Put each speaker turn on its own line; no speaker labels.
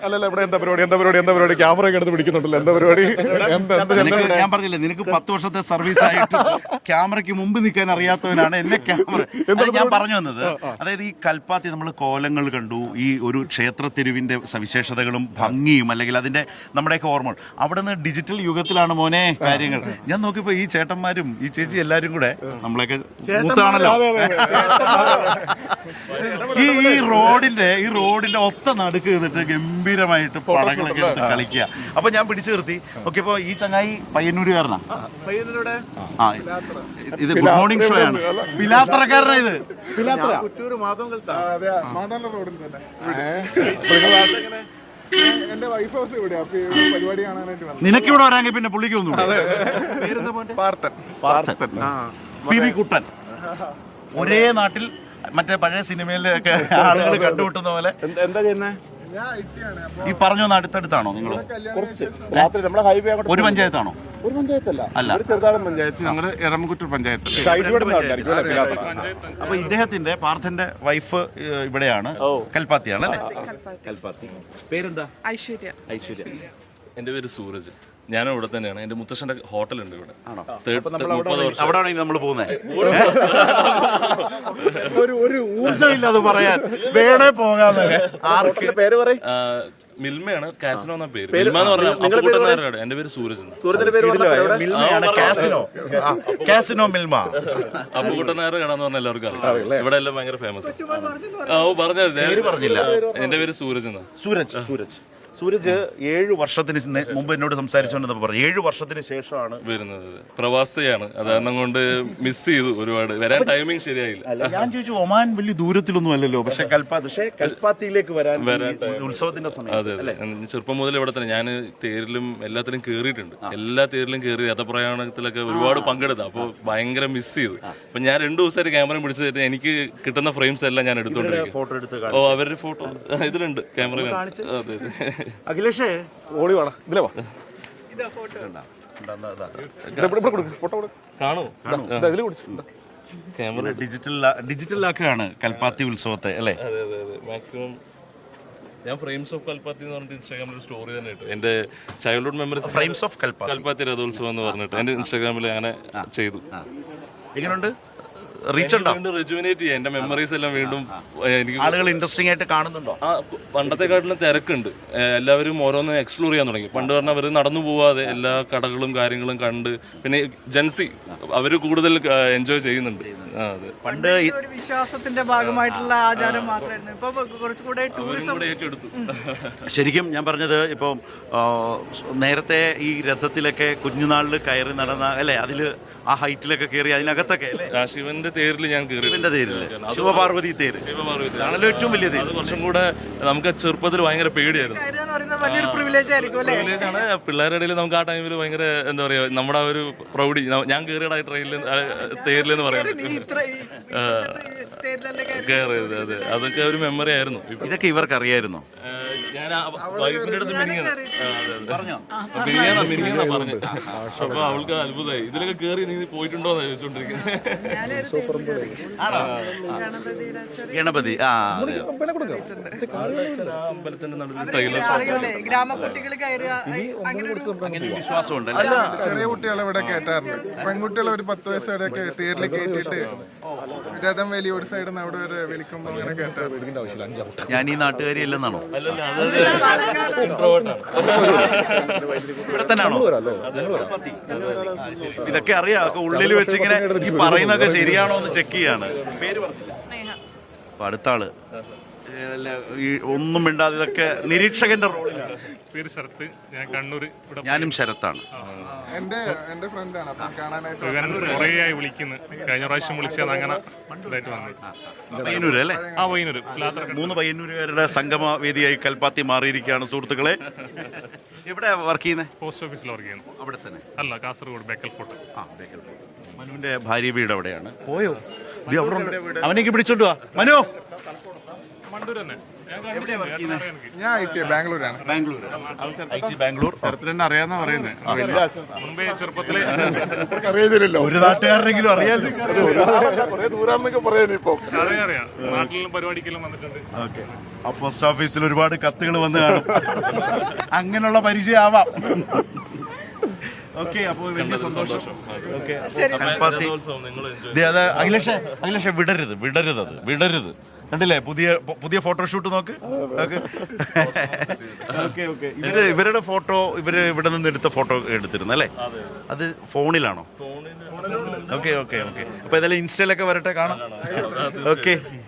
അല്ലല്ല ഇവിടെ എന്താ പരിപാടി ക്യാമറ ഒക്കെ എടുത്ത് പിടിക്കുന്നുണ്ടല്ലോ, എന്താ പരിപാടി?
ഞാൻ പറഞ്ഞില്ലേ, നിനക്ക് 10 വർഷത്തെ സർവീസ് ആയിട്ട് ക്യാമറയ്ക്ക് മുമ്പ് നിൽക്കാൻ അറിയാത്തവനാണ് എന്നെ ക്യാമറ. ഞാൻ പറഞ്ഞു വന്നത്, അതായത് ഈ കൽപ്പാത്തി നമ്മൾ കോലങ്ങൾ കണ്ടു, ഈ ഒരു ക്ഷേത്രത്തെരുവിന്റെ സവിശേഷതകളും ഭംഗിയും അല്ലെങ്കിൽ അതിന്റെ നമ്മുടെയൊക്കെ ഓർമ്മകൾ. അവിടെ നിന്ന് ഡിജിറ്റൽ യുഗത്തിലാണ് മോനെ കാര്യങ്ങൾ. ഞാൻ നോക്കിയപ്പോ ഈ ചേട്ടന്മാരും ഈ ചേച്ചി എല്ലാരും കൂടെ നമ്മളൊക്കെ മൂത്താണല്ലോ. ഈ റോഡിന്റെ ഒത്ത നടുക്ക് നിന്നിട്ട് ഗംഭീരമായിട്ട് പടങ്ങളൊക്കെ എടുത്ത് കളിക്കുക. അപ്പൊ ഞാൻ പിടിച്ചു നിർത്തി. ഓക്കെ, ഇപ്പൊ ഈ ചങ്ങായി പയ്യന്നൂരുകാരനാ. ആ, ഇത് ഗുഡ് മോർണിംഗ് ഷോ ആണ്. പിലാത്രക്കാരനാ ഇത്.
എന്റെ വൈഫ് ഹൗസ് ഇവിടെ പരിപാടി കാണാനായിട്ട് വന്നു.
നിനക്കിവിടെ വരാമെങ്കിൽ പിന്നെ പുള്ളിക്ക് ഒന്നും കുട്ടൻ. ഒരേ നാട്ടിൽ മറ്റേ പഴയ സിനിമയിലൊക്കെ ആളുകൾ കണ്ടുമുട്ടുന്ന പോലെ.
എന്താ ചെയ്യുന്നേ?
ഈ പറഞ്ഞു വന്ന അടുത്തടുത്താണോ നിങ്ങൾ? ഒരു പഞ്ചായത്താണോ?
ഒരു പഞ്ചായത്തല്ല,
അല്ല,
ചെറുതാഴം പഞ്ചായത്ത്.
ഞങ്ങള് എറമകുറ്റൂർ പഞ്ചായത്ത്.
അപ്പൊ ഇദ്ദേഹത്തിന്റെ പാർത്ഥന്റെ വൈഫ് ഇവിടെയാണ്, കൽപ്പാത്തിയാണ് അല്ലേ? കൽപ്പാത്തി. പേരെന്താ?
ഐശ്വര്യ.
ഐശ്വര്യ.
എന്റെ പേര് സൂരജ്. ഞാനും ഇവിടെ തന്നെയാണ്. എന്റെ മുത്തശ്ശന്റെ ഹോട്ടലുണ്ട് ഇവിടെ.
30 വർഷം. അവിടെയാണ് നമ്മൾ പോകുന്നത്. ഒരു ഊർജ്ജമില്ലാതെ പറയാൻ വേണേ പോകാന്നൊക്കെ. ആർക്ക് പേര് പറയും?
മിൽമയാണ്. കാസിനോ എന്ന പേര്. മിൽമ എന്ന് പറഞ്ഞാൽ എന്റെ പേര് സൂരജ്.
കാസിനോ മിൽമ.
അപ്പുകുട്ടനായർ കടാന്ന് പറഞ്ഞാൽ എല്ലാവർക്കും അറിയാം. ഇവിടെ എല്ലാം ഭയങ്കര ഫേമസ്. പറഞ്ഞില്ല. എന്റെ പേര് സൂരജ് എന്നാ.
സൂരജ് 7 വർഷത്തിന് മുമ്പ് എന്നോട് സംസാരിച്ചോണ്ടെന്ന് പറഞ്ഞു. 7 വർഷത്തിന് ശേഷമാണ്
വരുന്നത്. പ്രവാസിയാണ്, അതാരണം കൊണ്ട് മിസ് ചെയ്തു ഒരുപാട്. വരാൻ ടൈമിംഗ് ശരിയായില്ല.
ഞാൻ ചോദിച്ചു, ഒമാൻ വലിയ ദൂരത്തിലൊന്നും അല്ലല്ലോ, പക്ഷെ കൽപ്പാത്തിയിലേക്ക് വരാൻ ഉത്സവത്തിന്റെ സമയം.
അതെ അതെ. ചെറുപ്പം മുതൽ ഇവിടെ തന്നെ ഞാൻ തേരിലും എല്ലാത്തിലും കയറിയിട്ടുണ്ട്. എല്ലാ തേരിലും കയറി രഥപ്രയാണത്തിലൊക്കെ ഒരുപാട് പങ്കെടുത്തു. അപ്പോൾ ഭയങ്കര മിസ് ചെയ്തു. അപ്പൊ ഞാൻ 2 ദിവസമായിട്ട് ക്യാമറ പിടിച്ചു തരുന്നത്. എനിക്ക് കിട്ടുന്ന ഫ്രെയിംസ് എല്ലാം ഞാൻ എടുത്തോണ്ടിരിക്കും.
ഫോട്ടോ എടുത്ത്.
ഓ, അവരുടെ ഫോട്ടോ ഇതിലുണ്ട് ക്യാമറ. അതെ.
അഖിലേഷേ,
ഓടി വേണം ഇതിലെ വാ.
കാണൂ.
ക്യാമറ ഡിജിറ്റലാക്കുകയാണ് കൽപ്പാത്തി ഉത്സവത്തെ അല്ലേ?
അതെ അതെ അതെ. മാക്സിമം ഞാൻ ഫ്രെയിംസ് ഓഫ് കൽപ്പാത്തി എന്ന് പറഞ്ഞിട്ട് ഇൻസ്റ്റാഗ്രാമിൽ ഒരു സ്റ്റോറി തന്നെ ഇട്ടു. എന്റെ childhood memories
frames of
Kalpathi Ratholsavam എന്ന് പറഞ്ഞിട്ട് എന്റെ ഇൻസ്റ്റാഗ്രാമിൽ അങ്ങനെ ചെയ്തു.
എങ്ങനെയുണ്ട്? റീച്ച് ഉണ്ടോ?
റിജുവിനേറ്റ് ചെയ്യാം. എന്റെ മെമ്മറീസ് എല്ലാം വീണ്ടും എനിക്ക്
ആളുകൾ ഇൻട്രസ്റ്റിംഗ് ആയിട്ട് കാണുന്നുണ്ടോ?
പണ്ടത്തെക്കാട്ടിലും തിരക്കുണ്ട്. എല്ലാവരും ഓരോന്ന് എക്സ്പ്ലോർ ചെയ്യാൻ തുടങ്ങി. പണ്ട് പറഞ്ഞാൽ അവർ നടന്നു പോവാതെ എല്ലാ കടകളും കാര്യങ്ങളും കണ്ട്, പിന്നെ ജൻസി അവര് കൂടുതൽ എൻജോയ് ചെയ്യുന്നുണ്ട്.
പണ്ട്
ഒരു വിശ്വാസത്തിന്റെ ഭാഗമായിട്ടുള്ള ആചാരം മാത്രമായിരുന്നു. ഇപ്പൊ കുറച്ചുകൂടെ ടൂറിസം
ഏറ്റെടുത്തു.
ശരിക്കും ഞാൻ പറഞ്ഞത്, ഇപ്പം നേരത്തെ ഈ രഥത്തിലൊക്കെ കുഞ്ഞുനാളിൽ കയറി നടന്ന അല്ലേ, അതില് ആ ഹൈറ്റിലൊക്കെ കയറി അതിനകത്തൊക്കെ
ശിവന്റെ തേരിൽ ഞാൻ കയറി.
ശിവപാർവതി തേര് ആണല്ലോ ഏറ്റവും വലിയ തേര്.
അത് കുറച്ചും കൂടെ നമുക്ക് ചെറുപ്പത്തിൽ ഭയങ്കര പേടിയായിരുന്നു.
വലിയൊരു പ്രിവിലേജ് ആയിരിക്കും അല്ലേ?
ആണ് പിള്ളേരുടെ ഇടയിൽ നമുക്ക് ആ ടൈമിൽ ഭയങ്കര എന്താ പറയാ, നമ്മുടെ ആ ഒരു പ്രൗഢി. ഞാൻ കയറിയടായി ട്രെയിനിൽ തേരിലെന്ന് പറയാൻ കയറിയത്. അതെ, അതൊക്കെ ഒരു മെമ്മറി ആയിരുന്നു.
ഇതൊക്കെ ഇവർക്ക് അറിയായിരുന്നോ?
ഞാൻ വൈഫിന്റെ അടുത്ത് മിനിങ്ങാണ് പറഞ്ഞു. അപ്പൊ അവൾക്ക് അത്ഭുതമായി. ഇതിലൊക്കെ കയറി നീ പോയിട്ടുണ്ടോ എന്ന് ചോദിച്ചോണ്ടിരിക്കുന്നത്.
ഗണപതി
അമ്പലത്തിന്റെ നടുവിൽ ട്രെയിലർ
അങ്ങനെ വിശ്വാസമുണ്ട്.
ചെറിയ കുട്ടികളെ ഇവിടെ കയറ്റാറുണ്ട്. പെൺകുട്ടികളെ ഒരു 10 വയസ്സ് വരെയൊക്കെ തേരിൽ കയറ്റിയിട്ട് രഥം വലി ഒരു സൈഡിൽ നിന്ന് അവിടെ വരെ വിളിക്കുമ്പോ അങ്ങനെ കയറ്റാറുണ്ട്.
ഞാൻ ഈ നാട്ടുകാരി അല്ലെന്നാണോ? ഇവിടെ തന്നെയാണോ? ഇതൊക്കെ അറിയാം. അതൊക്കെ ഉള്ളിൽ വെച്ചിങ്ങനെ ഈ പറയുന്നതൊക്കെ ശരിയാണോ എന്ന് ചെക്ക് ചെയ്യാണ്. പേര് പറഞ്ഞില്ല. അപ്പൊ അടുത്ത ആള് ഒന്നും മിണ്ടാതെ ഇതൊക്കെ നിരീക്ഷകന്റെ റോളിലാണ്.
പേര് ശരത്ത്. ഞാൻ കണ്ണൂർ.
ഞാനും ശരത്താണ്.
എന്റെ ഫ്രണ്ടാണ്. അപ്പം കാണാനായിട്ട്
കുറേയായി വിളിക്കുന്നു. കഴിഞ്ഞ പ്രാവശ്യം വിളിച്ചത് അങ്ങനെ ഇതായിട്ട് വന്നു.
പയ്യന്നൂര് അല്ലേ?
ആ, പയ്യന്നൂര്.
3 പയ്യന്നൂരുകാരുടെ സംഗമ വേദിയായി കൽപ്പാത്തി മാറിയിരിക്കുകയാണ് സുഹൃത്തുക്കളെ. എവിടെ വർക്ക് ചെയ്യുന്നത്?
പോസ്റ്റ് ഓഫീസിൽ വർക്ക് ചെയ്യുന്നു.
അവിടെ തന്നെ?
അല്ല, കാസർഗോഡ് ബേക്കൽ ഫോർട്ട്.
മനുവിന്റെ ഭാര്യ വീട് അവിടെയാണ്. പോയോ? അവനേക്ക് പിടിച്ചോണ്ട് വാ മനു.
മണ്ടൂർ തന്നെ.
ഞാൻ IT ബാംഗ്ലൂരാണ്.
ബാംഗ്ലൂർ IT ബാംഗ്ലൂർ
അറിയാന്നാ പറയുന്നത് മുമ്പേ ചെറുപ്പത്തില്
അറിയില്ലല്ലോ
ഒരു നാട്ടുകാരെങ്കിലും അറിയാലോ.
കുറെ ദൂരാന്നൊക്കെ പറയാൻ ഇപ്പൊ
അറിയാം നാട്ടിലും പരിപാടിക്കെല്ലാം വന്നിട്ടുണ്ട്.
ഓക്കെ. ആ പോസ്റ്റ് ഓഫീസിൽ ഒരുപാട് കത്തുകൾ വന്ന് കാണും. അങ്ങനെയുള്ള പരിചയം ആവാം. ഓക്കെ, അപ്പോൾ വലിയ സന്തോഷം. ഓക്കെ, കൽപ്പാത്തി അതെ. അഖിലേഷ വിടരുത്. കണ്ടില്ലേ പുതിയ ഫോട്ടോഷൂട്ട് നോക്ക്. ഓക്കെ. ഇവരുടെ ഫോട്ടോ ഇവിടെ നിന്ന് എടുത്ത ഫോട്ടോ എടുത്തിരുന്നു അല്ലേ? അത് ഫോണിലാണോ? ഓക്കെ. അപ്പൊ ഏതായാലും ഇൻസ്റ്റയിലൊക്കെ വരട്ടെ, കാണാം. ഓക്കെ.